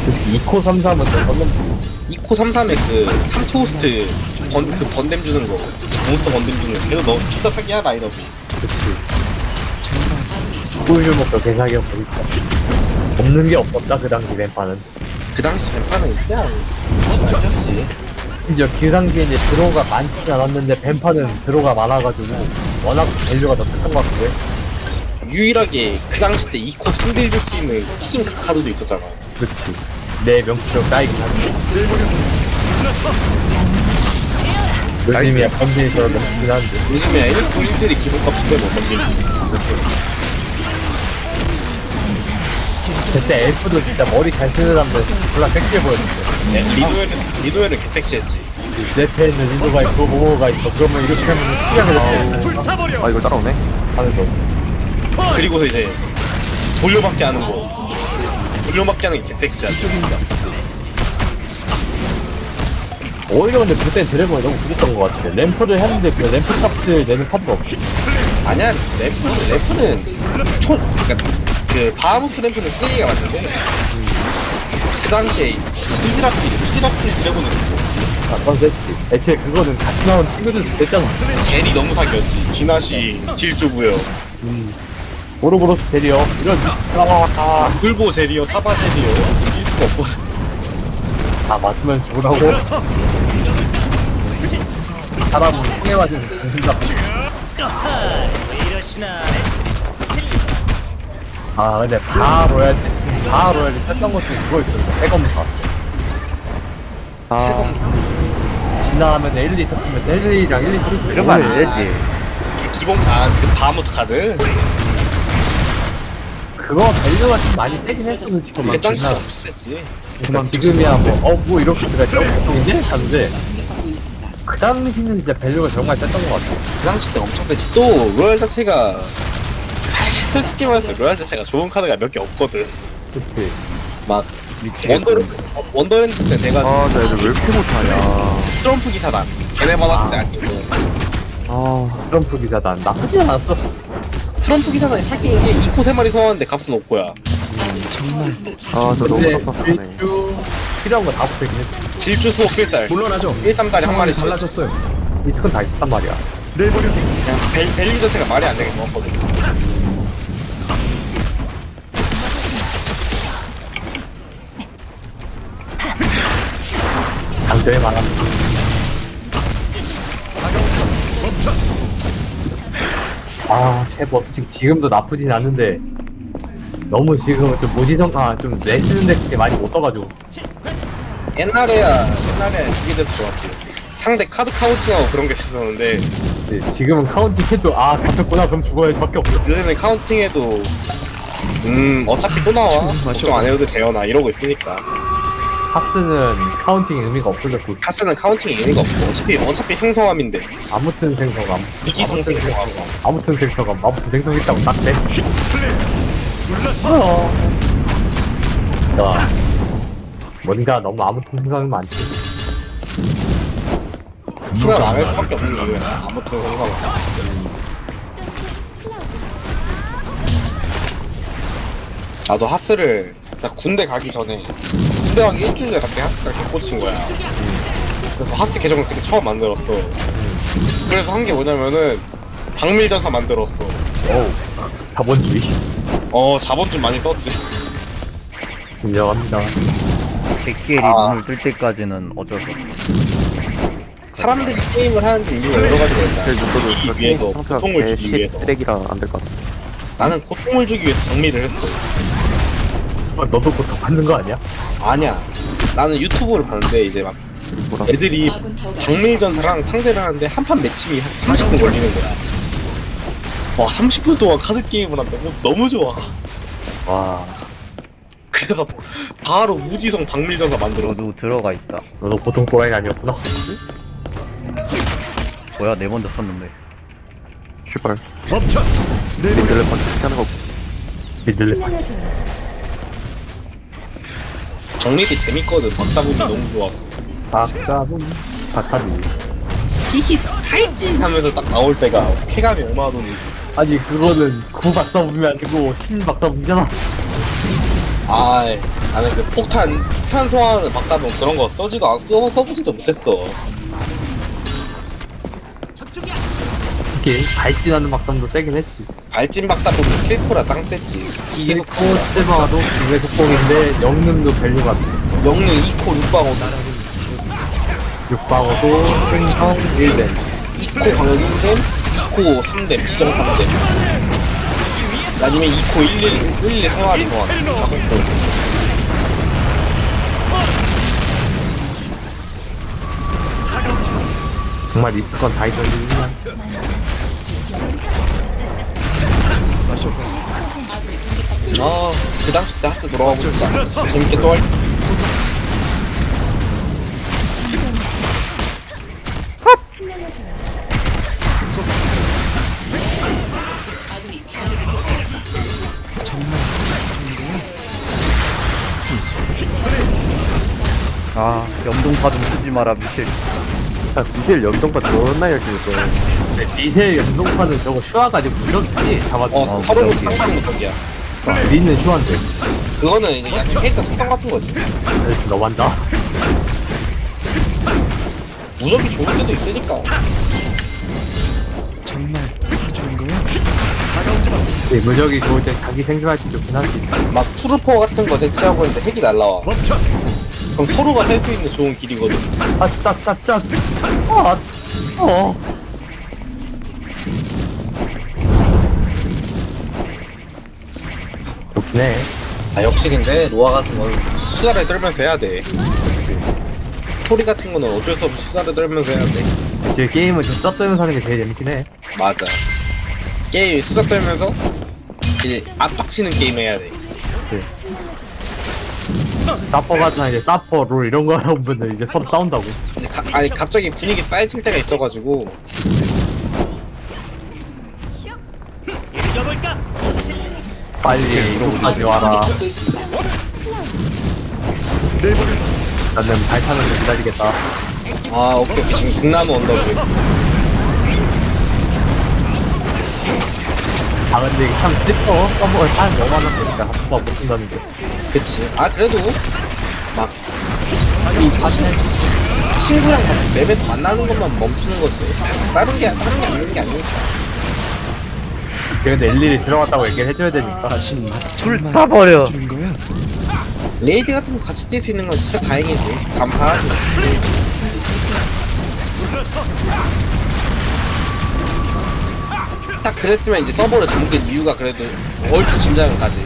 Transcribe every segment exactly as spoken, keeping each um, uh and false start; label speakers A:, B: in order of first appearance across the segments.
A: 솔직히 이코 삼삼은 좀 떴는데.
B: 이코 삼삼에 그 삼토스트 번, 그 번댐 주는 거 몬스터 번댐 주는 거 걔도 너무 진짜 사기야 라인업이.
A: 그치. 꿀줄 먹고 개사기 보니까 없는 게 없었다 그 당시 램파는.
B: 그 당시 뱀파는 그냥 진짜지.
A: 심지어 그 당시에 이제 드로우가 많지 않았는데 뱀파는 드로우가 많아가지고 워낙 밸류가 더 큰 것 같은데.
B: 유일하게 그 당시 때 이코 삼 딜 줄 수 있는 킹 카드도 있었잖아.
A: 그치. 내 명치로 까이긴 한데. 요즘이야 범죄에서 넘긴 한데.
B: 요즘에 일 코 일 딜이 기본값인데 못 넘기지.
A: 그때 엘프도 진짜 머리 잘 쓰는 사람들 졸라 섹시해 보였는데.
B: 네, 리도엘은 리도엘은 개섹시했지.
A: 내 패에 있는 인도가 있고 모모가 있어. 그러면 이렇게 하면 수량을 해.
C: 아 이걸 따라오네.
A: 하는 거.
B: 그리고서 이제 돌려받기 하는 거. 돌려받기 하는 게 개섹시하지.
A: 오히려 근데 그때 드래곤이 너무 부족한 것 같아. 램프를 했는데 그 램프 값을 내는 카드가 없이.
B: 아니야, 램프, 램프는 총, 그니까 그 바하무트 램프는 세 개가 맞는데 그 당시에 이즈라필, 이즈라필 드래곤을
A: 아, 그건 됐지. 애초에 그거는 같이 나온 친구들도 됐잖아.
B: 젤이 너무 사기였지. 기나시, 질주부여,
A: 음. 오로보로스 데리어. 이런, 아, 아.
B: 물보 젤이요, 사바 젤이요. 이길 수가 없어서.
A: 다 맞으면 죽으라고. 사람은 통에 맞으면 죽는다. 아, 근데 다 로얄 때, 다 로얄 때 쳤던 것 중에 그거 있었는데, 해검사.
C: 아
A: 지나가면 일, 이 쳤으면 일, 이랑 일, 이 쳤으면 이런 거안 되지.
B: 그 기본, 아, 그 바하무트 카드?
A: 그거 밸류가 좀 많이 세긴 했어, 솔직히.
B: 그 당시
A: 지나-
B: 없었지.
A: 그러니까 지금이야 뭐, 어, 뭐 이렇게 들어갔죠? 보통인데? 하는데, 그 당시는 진짜 밸류가 정말 셌던 것 같아.
B: 그 당시 때 엄청 세지. 또, 로얄 자체가, 사실 솔직히 말해서 로얄 자체가 좋은 카드가 몇 개 없거든.
A: 그치.
B: 막,
A: 미치겠다.
B: 원더랜드, 원더랜드 때 내가
C: 아, 나 애들 왜 이렇게 못하냐.
B: 트럼프 기사단. 걔네 받았을 때 아끼고.
C: 아,
A: 트럼프 기사단 나쁘지 않았어.
B: 트럼프 기사단이 사기인 게 이코 세 마리 소환하는데 값은 오코야.
C: 아, 저 너무
A: 근데
C: 섭섭하네.
A: 일주 필요한 거 다 붙어있긴 했어.
B: 질주 수호 필살.
D: 물론하죠.
B: 일 점짜리 한
D: 상황이
B: 마리씩.
D: 달라졌어요.
A: 리스크는 다 있단 말이야.
D: 내버려.
B: 그냥 밸, 밸류 자체가 말이 안 되게 좋았거든.
A: 장점이 많아. 아, 셰프 지금 지금도 나쁘진 않는데 너무 지금은 좀 무지성아 좀 내쓰는 데 그렇게 많이 못 떠가지고.
B: 옛날에야, 옛날에 그게 돼서 좋았지. 상대 카드 카운팅하고 그런 게 됐었는데,
A: 네, 지금은 카운팅 해도 아 잡혔구나 그럼 죽어야지 밖에 없어.
B: 요새는 카운팅해도, 음, 어차피 또 나와. 걱정 안 해도 돼, 재현아. 이러고 있으니까.
A: 하스는 카운팅의 의미가 없어졌고
B: 하스는 카운팅이 의미가 없고, 어차피, 어차피 생성함인데.
A: 아무튼 생성감
B: 무지성 생성함.
A: 아무튼 생성감 아무튼 생성했다고 딱 돼. 어. 야, 뭔가 너무 아무튼 생각이 많지.
B: 수가 망할 수밖에 없는 이유야. 아무튼 생성함. 나도 하스를, 나 군대 가기 전에, 군대 가기 일주일 전에 갑자기 하스가 개 꽂힌 거야. 그래서 하스 계정을 그때 처음 만들었어. 그래서 한 게 뭐냐면은, 박밀전사 만들었어.
A: 어우, 자본주의.
B: 어, 자본좀 많이 썼지.
A: 인정합니다.
E: 백기엘이
B: 아.
E: 눈을 뜰 때까지는 어쩔 수 없어.
B: 사람들이 게임을 하는데 이유가 여러 가지가 있잖아.
C: 그래서 너도
B: 이기기
C: 그렇게
B: 위해서,
C: 상태가
B: 고통을 주기
C: 개씨
B: 위해서.
C: 쓰레기라 안 될 것 같아.
B: 나는 고통을 주기 위해서 정리를 했어.
A: 어, 너도 고통 받는 거 아니야?
B: 아니야. 나는 유튜브를 봤는데 이제 막
C: 뭐라?
B: 애들이 박밀전사랑 상대를 하는데 한 판 매칭이 한 삼십 분 걸리는 거야. 와, 삼십 분 동안 카드 게임을 한다고? 너무 좋아.
A: 와,
B: 그래서 바로 무지성 박밀전사 만들었어.
E: 너도 들어가 있다.
A: 너도 고통 또라이 아니었구나.
E: 뭐야, 내 먼저 썼는데.
C: 슈발.
D: 멈춰. 내버려.
C: 니들레 반드시 하는 거.
A: 믿을래 파지.
B: 정립이 재밌거든. 박사분이 너무 좋아.
A: 박사분, 박사비.
B: 끼히 탈진 하면서 딱 나올 때가 쾌감이 얼마나 돈인지.
A: 아니 그거는 구 박사분이 아니고 신 박사분이잖아.
B: 아, 나는 그 폭탄 폭탄 소환을 막다보면 그런 거 써지도 안 써, 써보지도 못했어.
A: 특히 발진하는 막상도 세긴 했지.
B: 발진 막다 보면 킬코라 짱 셌지. 이게
A: 킬코 스마도 두개 속공인데 영능도 밸류가
B: 영능 이 코 육 방어
A: 육방어도 생성 일 댐.
B: 이 코 방역 일 댐, 이 코 삼 댐, 지정 삼 댐. 아니면 이 코 일 일, 일 일 생활이 소환.
A: 정말 리스건 다 있었는데
B: 아, 그 당시 때 하트 돌아가고 싶다. 재밌게 또 할.
E: 아 염동파 좀 쓰지 마라 미셸.
C: 아, 미셸 연동파 존나 열심히 했어.
A: 미셀 연동파는 저거 슈아가지고 이렇게 잡아줘.
B: 어, 서로 상상 무적이야.
A: 리는 슈아인데.
B: 그거는 이제 약간 캐릭터 특성 같은 거지.
A: 그래서 너만다.
B: 무적이 좋을 때도 있으니까.
A: 네, 무적이 좋을 때 자기 생존할 때 좋긴 하지.
B: 막 투르퍼 같은 거 대치하고 있는데 핵이 날라와. 그럼 서로가 할 수 있는 좋은 길이거든.
A: 아, 짝, 짝, 짝. 아, 어. 좋긴 해.
B: 아 역시 근데 로아 같은 건 수다를 떨면서 해야 돼. 소리 같은 거는 어쩔 수 없이 수다를 떨면서 해야 돼.
A: 이제 게임을 좀 써뜨면서 하는 게 제일 재밌긴 해.
B: 맞아. 게임 수다 떨면서 이제 압박치는 게임 해야 돼.
A: 사퍼 같은 이제 사퍼 롤 이런 거 하면 이제 서로 싸운다고.
B: 이제 가, 아니 갑자기 분위기 쌓여질 때가 있어가지고
A: 빨리 이거까지 와라. 나는 발 타는 거 기다리겠다.
B: 아 오케이 오케이. 지금 등나무 언덕을
A: 아 근데 이게 참 슬퍼. 서버가 한 너무 많았으니까 한번 못 쓴다는 게.
B: 그치. 아 그래도 막 이 친- 친구랑 막 맵에서 만나는 것만 멈추는 거지. 다른 게 다른 게 아닌 게 아니니까.
A: 근데 일일이 들어갔다고 얘기를 해줘야 되니까.
E: 불타버려.
B: 레이드 같은 거 같이 뛸 수 있는 건 진짜 다행이지. 감사하지. 딱 그랬으면 이제 서버를 잠긴 이유가 그래도 얼추 짐작은 가지.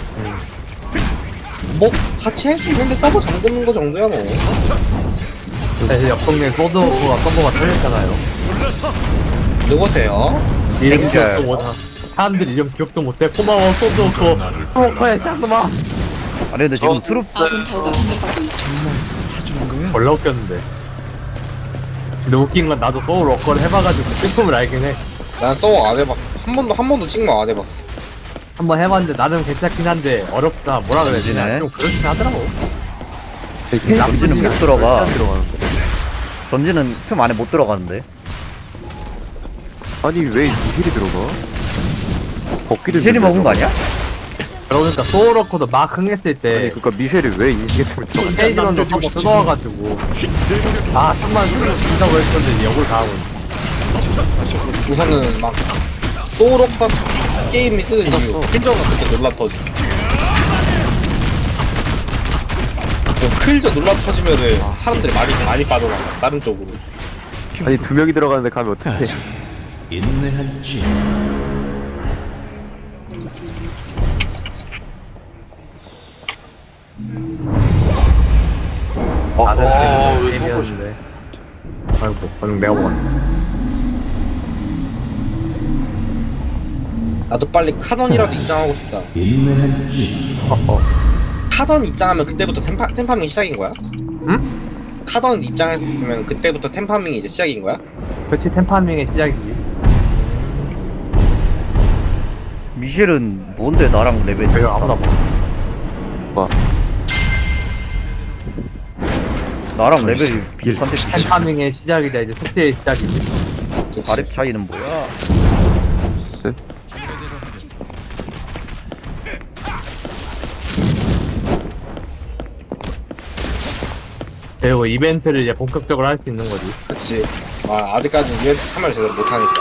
B: 뭐 같이 할 수 있는데 서버 잠그는 거 정도야 뭐.
A: 사실 옆 동네 소드오프가 서버가 털렸잖아요.
B: 누구세요?
A: 이름
E: 땡겨.
A: 기억도 못하. 사람들이 이름 기억도 못해. 고마워 소드오프. 프로커야 짱놈아.
E: 아니 근데 지금
B: 저-
E: 트룹
D: 아군 타워가 공격받고 있습니다.
A: 졸라 웃겼는데. 근데 웃긴 건 나도 소울 워커를 해봐가지고 슬픔을 알긴 해.
B: 난 서버 안 해봤어. 한 번도 한 번도 찍마 안 해봤어.
A: 한번 해봤는데 나름 괜찮긴 한데 어렵다 뭐라 그래야 되나
E: 그러네.
A: 좀 그렇긴 하더라고.
E: 전지는 못 들어가.
C: 들어가는데.
E: 전지는 틈 안에 못 들어가는데.
C: 아니 왜 미셸이 들어가? 복귀를
E: 미셸이
C: 눌러서.
E: 먹은 거 아니야?
A: 그러니까 소울 워커도 막 흥했을
C: 아니
A: 때
C: 그니까 미셸이 왜 인식에 들어가?
A: 페이지런도 서버 뜯어와가지고 아 천만 수를 준다고 했었는데 역을 당하고 있네.
B: 우선은 막 소울워커 게임이 뜨는 이유 클저가 그때 논란 터지. 그 클저 논란 터지면은 사람들이 많이 많이 빠져나가 다른 쪽으로.
C: 아니 두 명이 들어가는데 가면 어떡해?
A: 다들
B: 어, 왜
A: 게임이었는데 아이고 방금 내가 먹었네.
B: 나도 빨리 카던이라도 입장하고 싶다.
A: 어어.
B: 카던 입장하면 그때부터 템파, 템파밍 시작인 거야?
A: 응?
B: 카던 입장할 수 있으면 그때부터 템파밍이 이제 시작인 거야?
A: 그렇지 템파밍의 시작이지.
E: 미셸은 뭔데 나랑 레벨이
A: 내가 아무나 봐.
C: 봐.
E: 나랑 레벨이 비슷한데
A: 템파밍의 시작이다 이제 속죄의 시작이지.
B: 그치?
E: 아래 차이는 뭐야?
C: 쎄?
A: 그리고 이벤트를 이제 본격적으로 할 수 있는 거지.
B: 그치. 아, 아직까지 이벤트 참여를 제대로 못하니까.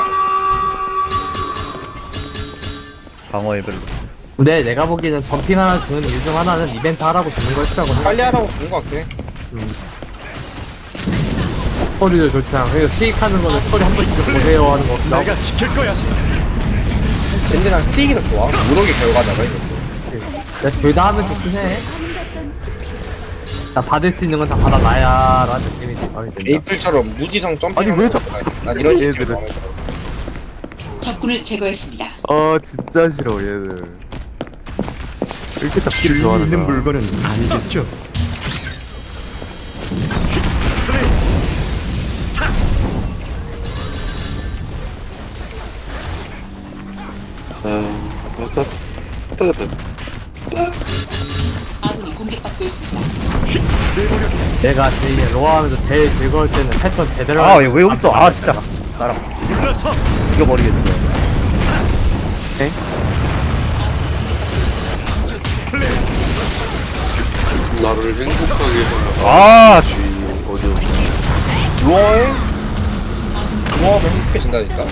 E: 방어 레벨.
A: 근데 내가 보기에는 점핑 하나 주는 이유 중 하나는 이벤트 하라고 주는 거였다고 생각해.
B: 빨리 하라고 본 것 같긴 해.
A: 스토리도 좋지 않고, 그리고 스틱하는 거는 스토리 한 번씩 좀 보세요 하는 거 없다고.
D: 내가 지킬 거야.
B: 근데 난 스틱이 더 좋아. 무력의 결과잖아, 이것도.
A: 둘 다 하면 좋긴 해. 나 받을 수 있는 건 다 받아놔야 라는 느낌이 마음에 든다.
B: 에이플처럼 무지성 점핑.
C: 아니, 왜 저-
B: 난 이런 식으로
C: 얘들은.
B: 마음에 들어.
F: 적군을 제거했습니다.
C: 아 진짜 싫어 얘들. 이렇게 잡기를
D: 줄
C: 좋아하는
D: 있는
C: 거야.
D: 물건은 아니겠죠?
F: 아군이 공격받고 있습니다.
A: 내가 제일 로아하면서 제일 즐거울 때는 패턴 제대로
E: 아,
A: 하는
E: 얘 왜 여기 있어?
A: 거
E: 아, 진짜. 나랑
D: 일어서.
E: 죽여버리겠네.
G: 나를 행복하게 하는
E: 아, 씨.
G: 주인은 어디 없어.
B: 루어에 루어하면 행복해진다니까.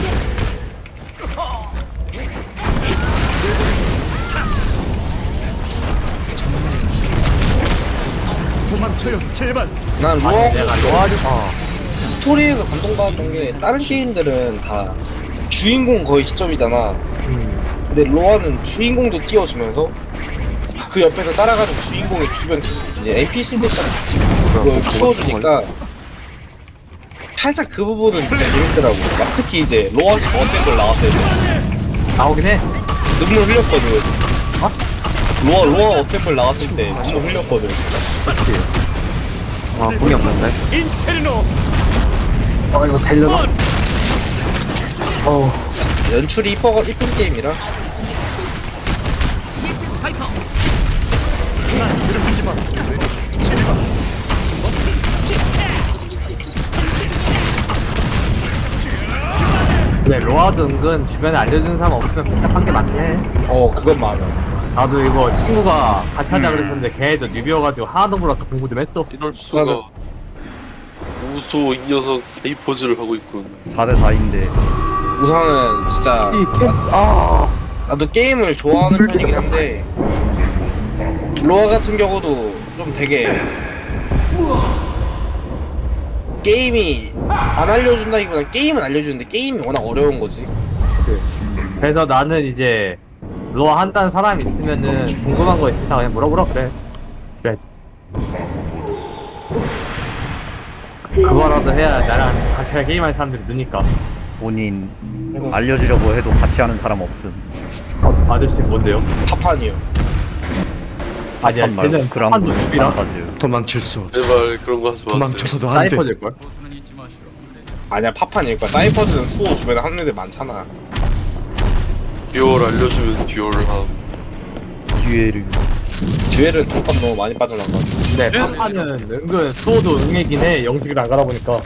D: 도망쳐요, 제발.
B: 난 루어
A: 아니 내가 로아를
B: 스토리에서 감동받았던 게 다른 게임들은 다 주인공 거의 시점이잖아.
A: 음,
B: 근데 로아는 주인공도 띄워주면서 그 옆에서 따라가는 주인공의 주변 이제 엔피씨들까지 같이 그걸 키워주니까 살짝 그 부분은 진짜 재밌더라고. 막 특히 이제 로아식 어센걸 나왔을 때
A: 나오긴 해.
B: 눈물 흘렸거든. 어? 로아 로아 어센걸 나왔을 때 눈물 흘렸거든.
C: 아 공이 없는데.
D: 인페르노.
A: 어 이거 되려나? 어
B: 연출이 이뻐 이쁜 게임이라.
D: 괴롭히지 마. 제발.
A: 근데 로아도 은근 주변에 알려주는 사람 없으면 복잡한 게 많긴 해.
B: 어 그건 맞아.
A: 나도 이거 친구가 같이 하자 그랬었는데 걔도 뉴비여가지고 하나도 몰라서 공부 좀 했어.
G: 이럴 수가. 우수 이 녀석 사이포즈를 하고 있군.
E: 사 대 사인데.
B: 우선은 진짜
C: 아
B: 나도 게임을 좋아하는 편이긴 한데 로아 같은 경우도 좀 되게 게임이 안 알려준다기보다 게임은 알려주는데 게임이 워낙 어려운 거지.
A: 그래서 나는 이제 로아 한다는 사람이 있으면은 궁금한 거 있으면 그냥 물어보라 그래. 그래. 그거라도 해야 나랑 같이 게임하는 사람들이 느니까.
E: 본인 알려주려고 해도 같이 하는 사람 없음.
A: 어, 아저씨 뭔데요?
B: 파판이요.
A: 아니야,
E: 판 말고
A: 걔는
E: 그랑도
A: 한도 숲이라
E: 판타지.
D: 도망칠 수 없어.
G: 제발 그런 거 하지 마세요.
D: 도망쳐서도 안 돼.
A: 사이퍼질걸?
B: 아니야 파판일 거야. 사이퍼즈는 수호 주변에 하는 애들 많잖아.
G: 듀얼 알려주면 듀얼함.
E: 기회를.
B: 듀엘은 돈값 너무 많이 빠져나가.
A: 근데 파파는 은근 수호도 응애긴 해. 영식을 안 가다 보니까.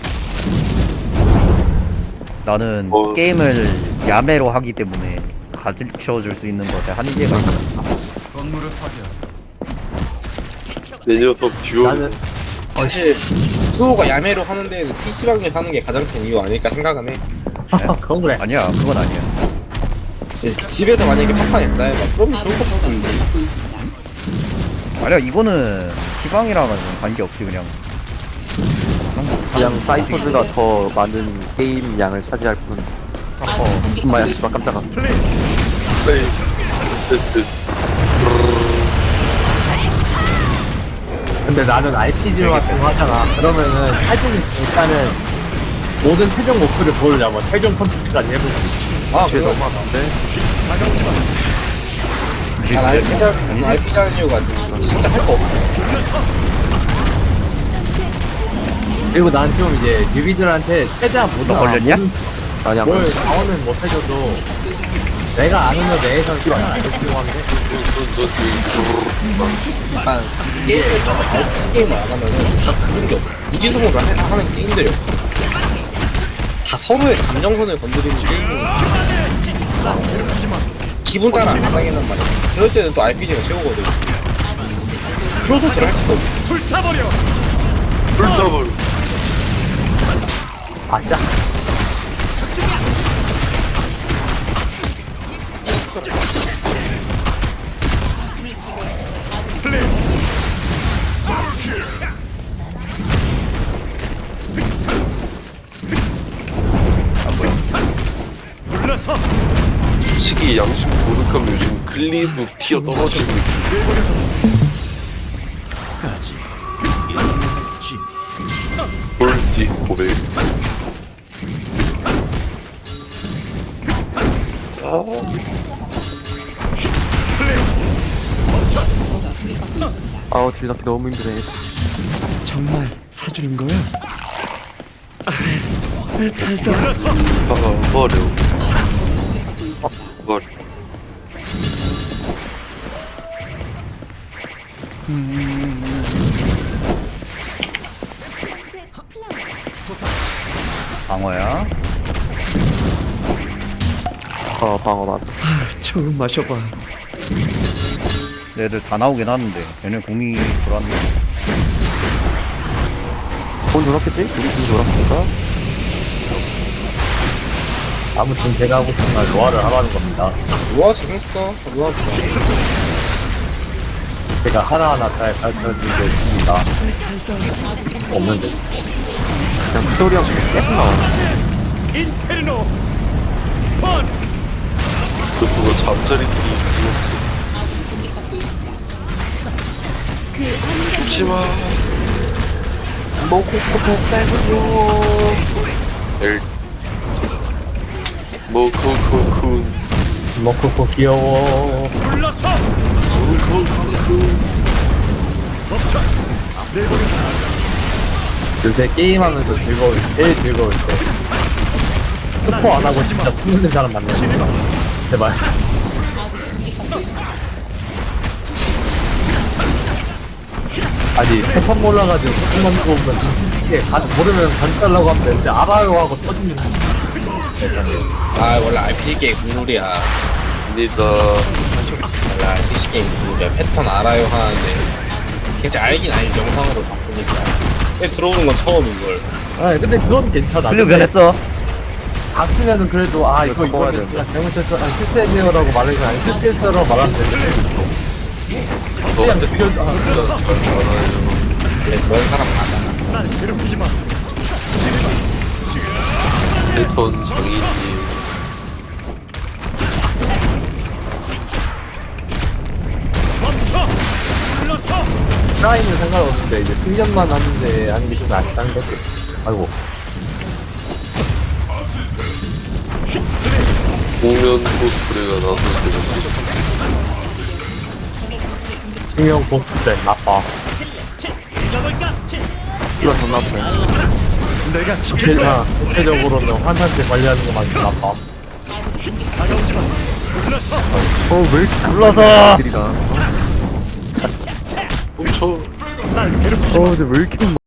E: 나는
G: 어.
E: 게임을 야매로 하기 때문에 가르쳐줄 수 있는 것에 한계가 있어.
G: 내 녀석 듀얼.
A: 나는
B: 사실 수호가 야매로 하는 데는 피씨방에 하는 게 가장 큰 이유 아닐까 생각은 해.
A: 그건 그래.
E: 아니야, 그건 아니야.
B: 근데 집에서 만약에 파판이 있다 해봐. 그러면 그런 거
F: 아군
B: 보면
F: 공격받고 있습니다.
E: 아니야, 이거는 시방이랑은 관계없이 그냥.
C: 그냥 사이퍼즈가 더 많은 게임 양을 차지할 뿐.
F: 아군
C: 어 정말
F: 공격받고
C: 씨발 깜짝아.
G: 플레이. 테스트.
A: 근데 나는 알피지 같은 거 하잖아. 그러면은 사실 일단은 모든 최종 목표를 보려자 뭐 최종 콘텐츠까지 해보고.
B: 아
C: 쟤
B: 그거
C: 너무하는데.
B: 난 알피자 알피자 하는 이유가 진짜 할 거 없어.
A: 그리고 난 좀 이제 뉴비들한테 최대한 못
E: 너 걸렸냐?
C: 아니야
A: 뭘 자원은 못 해줘도 내가 아는 거 내에서는 최대한 알려주려고 하는데.
B: 약간 게임을 알피지 게임을 안 하면은 다 그런 게 없어. 무지성으로 하- 하는 게임들이 없어. 다 서로의 감정선을 건드리는 게임이 기분 따라 안 하겠단 말이야. 그럴 때는 또 알피지가 최고거든. 프로토스를 할 수도 없고
D: 불타버려.
G: 불더블.
A: 아짜.
D: 물러서.
G: 솔직히 양심 고득하면 요즘 클리브 튀어 떨어지는 느낌. 폴티 고백. 아,
C: 아우 주인한테 너무 힘드네.
D: 정말 사주는 거야? 물러서.
G: 아, 버려. 아, 버려.
E: 방어야.
C: 어 방어 맞.
D: 처음 마셔봐.
E: 얘들 다 나오긴 하는데 얘네 공이 돌았네.
C: 돈 돌았겠지? 우리 돈 돌았으니까.
A: 아무튼 제가 하고 싶은 건 로아를 하라는 겁니다.
B: 우와 재밌어. 우와 좋아.
A: 제가 하나하나 잘 가르쳐드리고 있습니다. 없는데.
C: 그냥 피돌이 형 계속 나와.
D: 인페르노. 펀.
G: 그 누가 잠자리 뒤에 죽었어. 죽지마.
B: 먹고 뺐다고요.
G: 엘. 뭐 코코쿤.
A: 먹고 귀여워.
D: 물러서. 멈춰.
A: 요새 게임하면서 즐거울 때, 제일 즐거울 때. 스포 안 하고 진짜 숨는 사람 만나요. 제발. 아니, 세판 몰라가지고 조금만 보고 보면 이게 간, 모르면 간달라고 하면 되는데 알아요 하고 터지면
B: 아 원래 알피지 게임 국룰이야.
G: 아니다.
B: 원래 알피지 게임 국룰이야. 패턴 알아요 하는데 그치 알긴 알지 영상으로 봤으니까. 근데 들어오는 건 처음인걸.
A: 아 근데 그건 괜찮아.
E: 클리어
A: 근데
E: 변했어.
A: 봤으면은 그래도 아 이거
C: 바꿔야
A: 이거
C: 되는데.
A: 내가 잘못했어. 아 실수했네요라고 말해서 아니 실수했어라고 말하면 되는데 그냥 느껴 아
B: 근데 그런 사람 많아.
D: 날 괴롭히지 마.
G: 패턴 장인이.
D: 멈춰. 물러서.
A: 트라이는 상관없는데 이제 훈련만 하는데 하는 게 좀 아쉽다는 거지. 아이고
G: 공연 코스프레가 나왔을 때는
A: 증명 보스 때 나빠.
C: 이거 존나 아프네.
D: 내가 지킬 거야.
A: 제가 구체적으로는 환상체 관리하는 것만큼 나빠.
D: 다가오지 마. 물러서.
C: 어왜 이렇게
E: 물러서.
C: 들이다.
G: 훔쳐.
D: 날 괴롭히지 마.
C: 어 근데 왜 이렇게